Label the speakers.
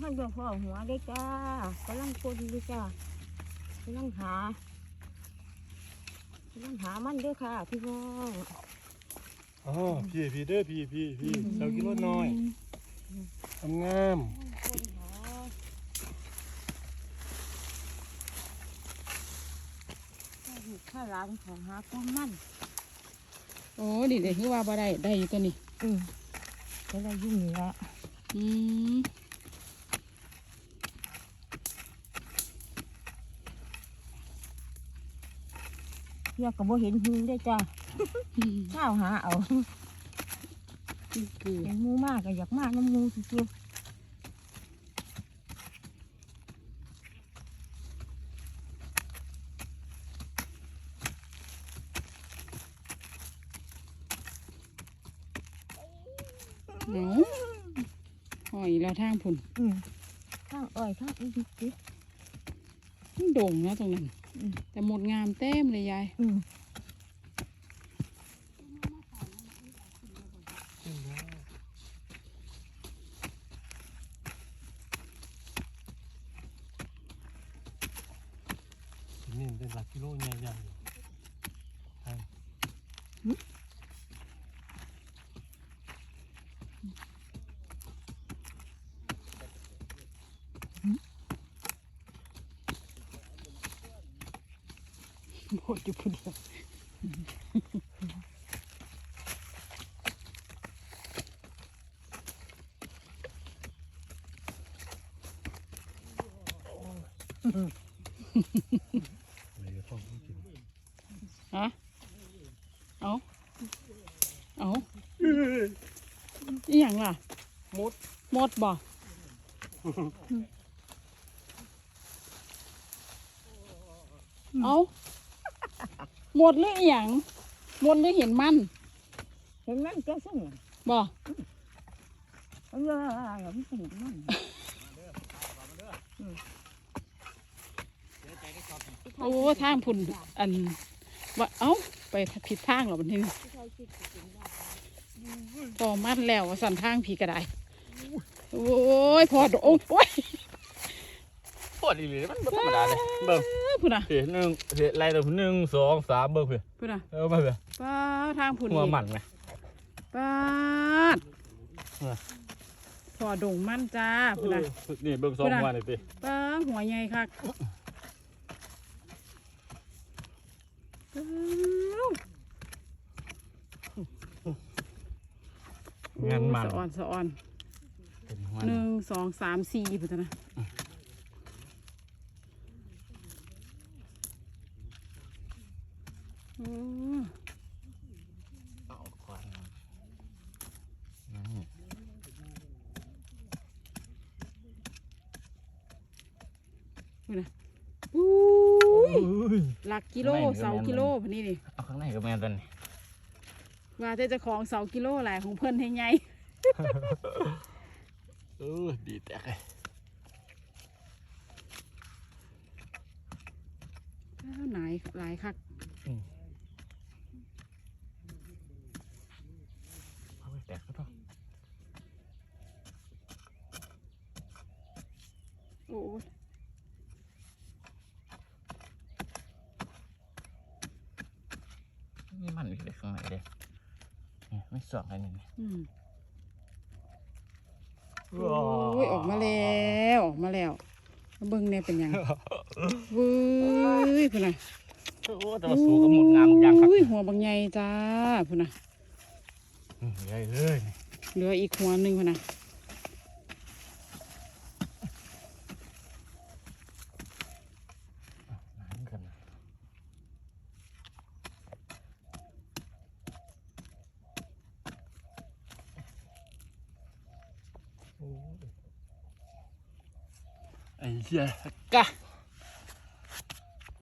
Speaker 1: มันเดือดพ่อหัวได้จ้ากำลังคนด้วยจ้ากำลังหมันด้วยค่ะพี่น้อง
Speaker 2: อ๋อพี่เด้อพี่เสากิโลน้อยงาม
Speaker 1: ข้าล้างของหาก้อนมัน
Speaker 3: โอ้ดิเด็กคือว่าบ่ได้อยู่ตัวนี้
Speaker 1: ก็ได้ยุ่งนี่ละเรียกกับว่าเห็นหูได้จ้าข้าวหาเอาเห็นมูมากก็อยากมากน้ำมูสุด
Speaker 3: หอยแล้วทางผุน
Speaker 1: ข้างอ้อยข้างอีกที
Speaker 3: มันโด่งนะตรงนั้นแต่หมดงามเต็มเลยยาย
Speaker 2: นี่เป็นหลักกิโลใหญ่ๆ
Speaker 3: หมดอยู่พุ่นเดียวฮะเอาอีหยังล่ะหมดบ่เอาหมดหรืออีหยังหมดหรือเห็นมัน
Speaker 1: ก็ส่ง
Speaker 3: บ่
Speaker 1: ไม่ส่งมัน
Speaker 3: โอ้ทางพุ่นอันว่าเอ้าไปผิดทางหรอบัดนี้พอมัดแล้วสั่นทางผีกระไดโอ้ยพอโอ้ย
Speaker 2: พอดีเลยมันธรรมดาเลยเบิ่ง
Speaker 3: พุ่นอ่ะ
Speaker 2: เห็นไรตัว1 2 3เบิ่งเพื่อ
Speaker 3: พุ่นอ่ะ
Speaker 2: มาเพื่อ
Speaker 3: ป้าทางพุ่น
Speaker 2: หัวมันไหม
Speaker 3: ป้าพอดงมันจ้าพุ่นอ่ะ
Speaker 2: นี่เบิ่ง2หัวนี่ติ
Speaker 3: ป้าหัวใหญ่ค่ะ
Speaker 2: งานมัน
Speaker 3: สะอ่อน1 2 3 4พุ่นนะหลักกิโลเสากิโลพันนี้ดิ
Speaker 2: เอาข้างในก็แม่นตัน
Speaker 3: ว่าจะของเสากิโลหลายของเพิ่นให้ไง
Speaker 2: ดีแตกเลย
Speaker 3: หลายคัก
Speaker 2: เอาไปแตกก็ต้อง
Speaker 3: โอ้
Speaker 2: นี่มันอยู่ข้างในเลยไม่สองอะไรนี่
Speaker 3: โอ้ยออกมาแล้วเบิ้งเนี่ยเป็นยังเว้ยพุ่นน่ะ
Speaker 2: โอ้แต่ว่าสูงกับหมดงามอย่างครับ
Speaker 3: หัวบางใหญ่จ้าพุ่นน่ะ
Speaker 2: ใหญ่เลย
Speaker 3: เหลืออีกหัวหนึ่งพุ่นน่ะ
Speaker 2: ไอ้เหี้ยกะ